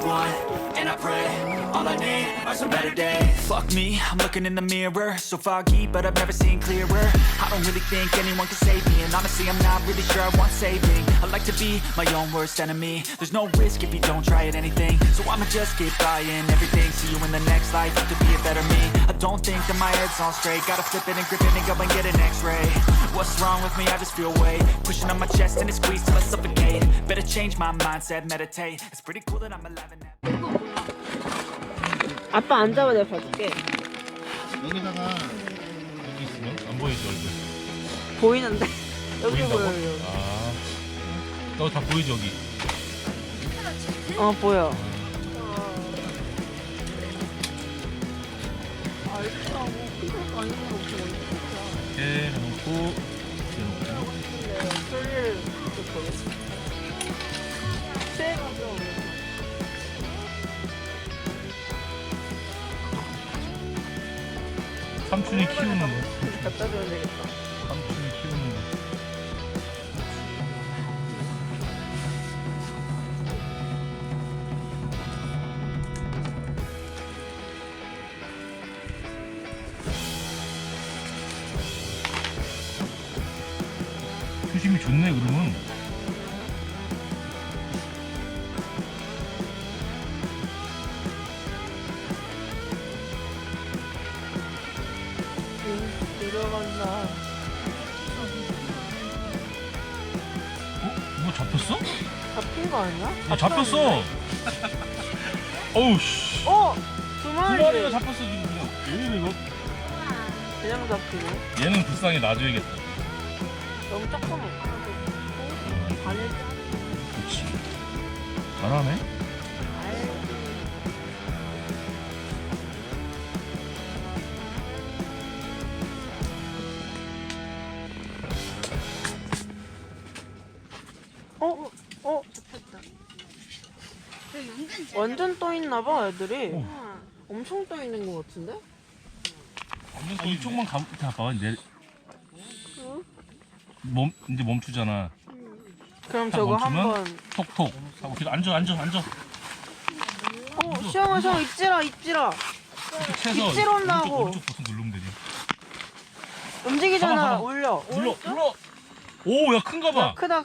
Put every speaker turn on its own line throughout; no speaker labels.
one, and I pray all I need are some better days. Fuck me, I'm looking in the mirror, so foggy, but I've never seen clearer. I don't really think anyone can save me, and honestly I'm not really sure I want saving. I like to be my own worst enemy. There's no risk if you don't try at anything, so I'ma just keep buying everything. See you in the next life, have to be a better me. I don't think that my head's on straight, gotta flip it and grip it and go and get an x-ray. What's wrong with me? I just feel weight pushing on my chest and it squeezes till I suffocate. Better change my mindset, meditate. It's pretty cool that I'm alive and
아빠 앉아봐, 내가 봐줄게.
여기다가 여기 있으면 안 보이지 얼굴.
보이는데? 여기
보인다고?
보여요.
아, 너 다 보이지 여기.
어, 보여.
이렇게 해놓고 이렇게 해놓고.
소리를 좀 보겠습니다. 취해가지고.
삼촌이 키우는 거.
갖다 줘야 되겠다.
삼촌이 키우는 거. 수심이 좋네 그러면.
들어간다.
뭐 잡혔어?
잡힌 거 아니야?
야, 잡혔어. 어우 씨.
어! 두
두
마리.
마리가 잡혔어 지금 그냥. 왜 이래 이거?
그냥 잡히네.
얘는 불쌍해 놔줘야겠다.
너무 조금 반을
그렇지. 잘하네.
잡혔다. 완전 떠 있나 봐, 애들이. 엄청 떠 있는 것 같은데?
아, 이쪽만 가봐. 이제 이제 멈추잖아.
그럼
딱
저거
멈추면
한번.
톡톡 하고 계속 앉아.
시영아, 입질아.
이렇게 채서
입질 온다고.
오른쪽 버튼 누르면 되지.
움직이잖아.
봐봐.
올려.
눌러. 오, 야 큰가 봐.
크다.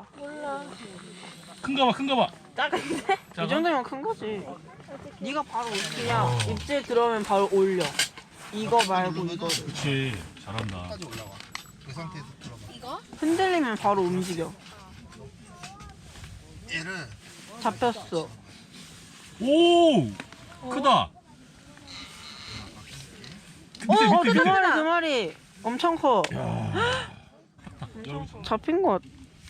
큰가 봐.
작은데?
작아?
이 정도면 큰 거지. 네가 바로 그냥 입질 들어오면 바로 올려. 이거 말고 이거.
그렇지. 잘한다.
까지 올라와. 그 상태에서 들어가.
흔들리면 바로 움직여.
얘를
잡혔어.
오, 크다.
두 마리. 엄청 커.
여기
잡힌 것.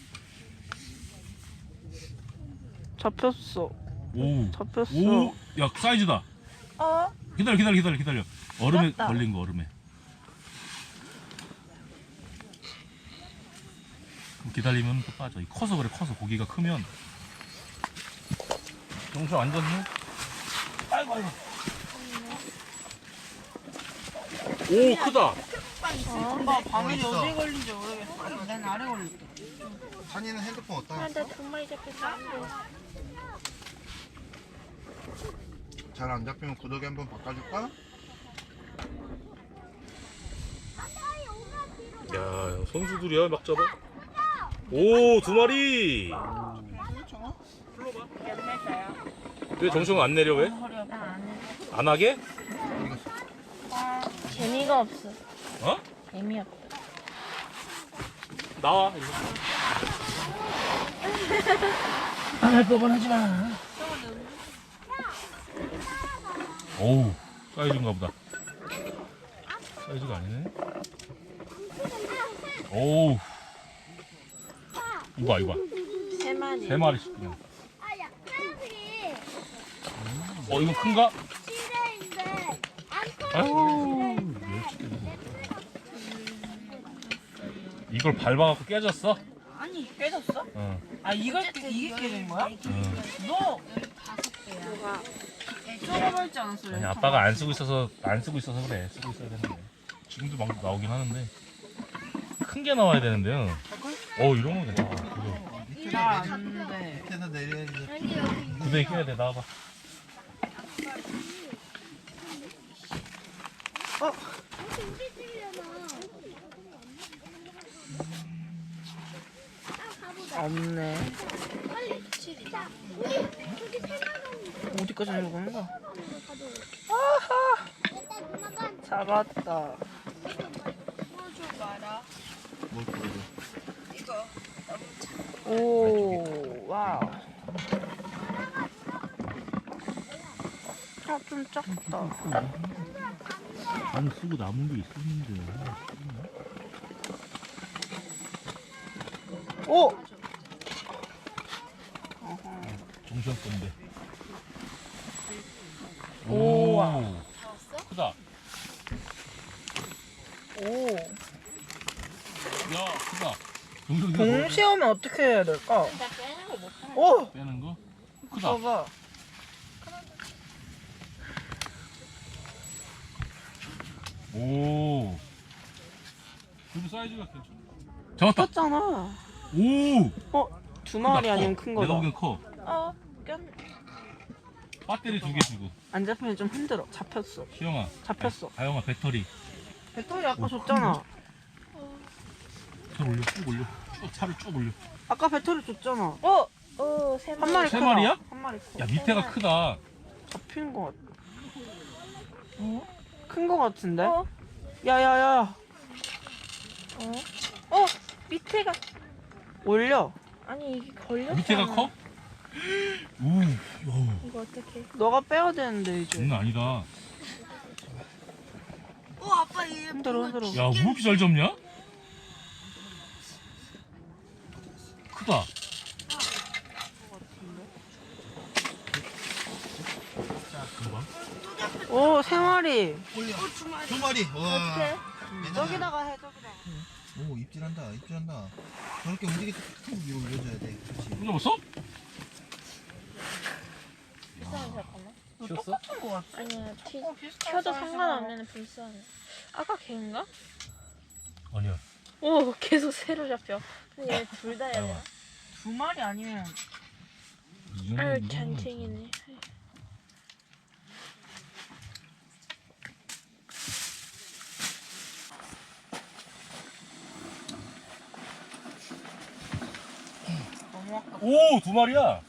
잡혔어.
오,
잡혔어.
오, 야 사이즈다. 기다려. 얼음에 걸린 거 얼음에. 그럼 기다리면 또 빠져. 커서 그래. 커서 고기가 크면. 정수 앉았니? 아이고. 오 크다.
엄마 방울이 어디에 걸린지 모르겠어. 난 아래 걸렸다.
산이는 핸드폰 어디다 놨어?
나두 마리 잡혔어.
잘 안 잡히면 구더기 한번 바꿔줄까?
야 선수들이야 막 잡아. 오 두 마리. 왜 정수가 안 내려 왜? 안 하게?
재미가 없어.
어?
재미없다.
나와. 안 할 법은 하지 마. 오우 사이즈인가 보다. 사이즈가 아니네. 오우 이거 봐.
세 마리.
세 마리씩 그냥.
아, 약간이
이거 큰가?
시대인데 안
아유 이걸 밟아갖고 깨졌어?
아니 깨졌어?
어.
아 이게 깨진 거야?
어.
너 좁아버리지 않았어?
아니 아빠가 안 쓰고 있어서 그래. 쓰고 있어야 되는데. 지금도 막 나오긴 하는데 큰 게 나와야 되는데요. 이런 거 괜찮아. 그거.
나안 돼.
밑에서 내려야지.
여기
구덩이 껴야 돼. 나와봐.
우리 집이잖아. 가보자.
없네.
빨리. 자, 우리 저기 세마리
어디까지 내려가는 거야?
일단 누나가
잡았다.
뭘 보여줘.
오, 와우. 아, 좀 작다.
안 쓰고 남은 게 있었는데.
오!
정신 건데.
우와.
크다.
오.
야, 크다. 동생
동시에 오면 어떻게 해야 될까? 오!
빼는 거? 크다.
봐봐.
오. 그래도 사이즈가 괜찮아. 잡았다.
컸잖아.
오.
어? 두 마리 아니면 큰
내가
거다.
보기엔 커.
어, 꼈.
배터리 2개 주고.
안 잡히면 좀 힘들어. 잡혔어.
시영아.
잡혔어.
다영아 배터리.
배터리 아까 줬잖아.
차 올려. 쭉 올려. 쭉 차를 쭉 올려.
아까 배터리 줬잖아.
오, 세
한 마리
세
크다.
마리야?
한 마리 커.
야 밑에가 크다.
잡히는 거 같아. 큰 거 같은데?
어?
야야야.
밑에가
올려.
아니 이게 걸렸잖아.
밑에가 커? 오. 야,
이거 어떻게?
너가 빼야 되는데 이제.
장난 아니다.
흔들어 흔들어.
야, 왜 이렇게 잘 잡냐? 크다.
오, 세 마리.
올려. 두 마리. 와.
저기다가 해 저기다가.
오 입질한다. 입질한다. 저렇게 움직일 때 탁 위로 올려줘야 돼. 그렇지.
또 잡았어?
잠깐만.
쉬었어?
똑같은 거 같아.
아니야, 켜도 상관없는 불쌍해. 아까 걔인가?
아니야.
오, 계속 새로 잡혀. 근데 얘 둘 다 해야 되나?
두 마리 아니면
아유, 잔챙이네.
너무 아까.
오, 두 마리야.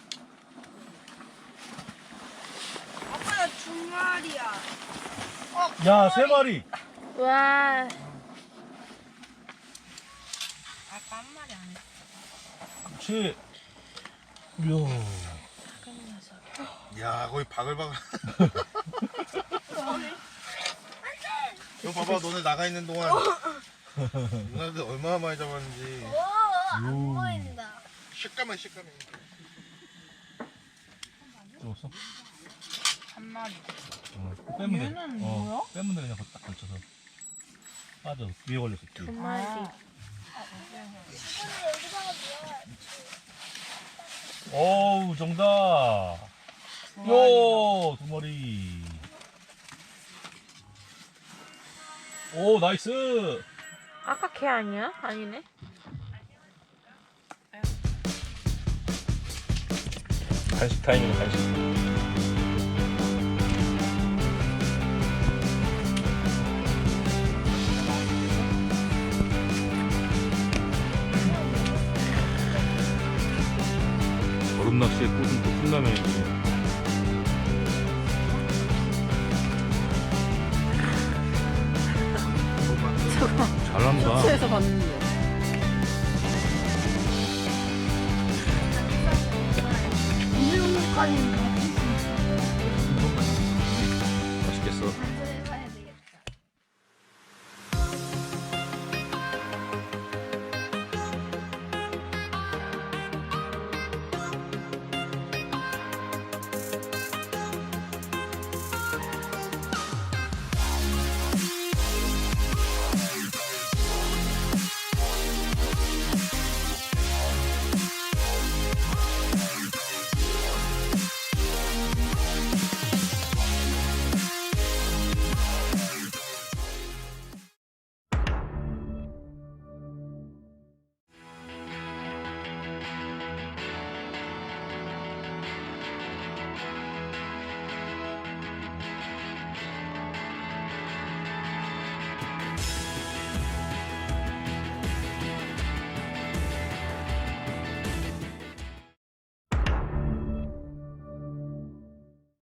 아빠야 두 마리야.
야, 세 마리.
와,
아까 한 마리 아니야.
그렇지. 이야.
야 거의 바글바글. 이거 봐봐 너네 나가 있는 동안 누나들 얼마나 많이 잡았는지.
안 보인다.
식감해 식감해.
잡았어?
한 마리.
빼면 돼.
얘는 뭐야?
빼면 돼. 그냥 딱 걸쳐서. 빠져. 위에 걸렸어. 뒤에.
두 마리.
어우, 정답. 요, 두 마리. 오, 나이스.
아까 걔 아니야? 아니네.
간식 타임이네, 간식. 얼음 낚시의 꽃은 또 컵라면이지. 잘한다.
쇼츠에서 봤는데.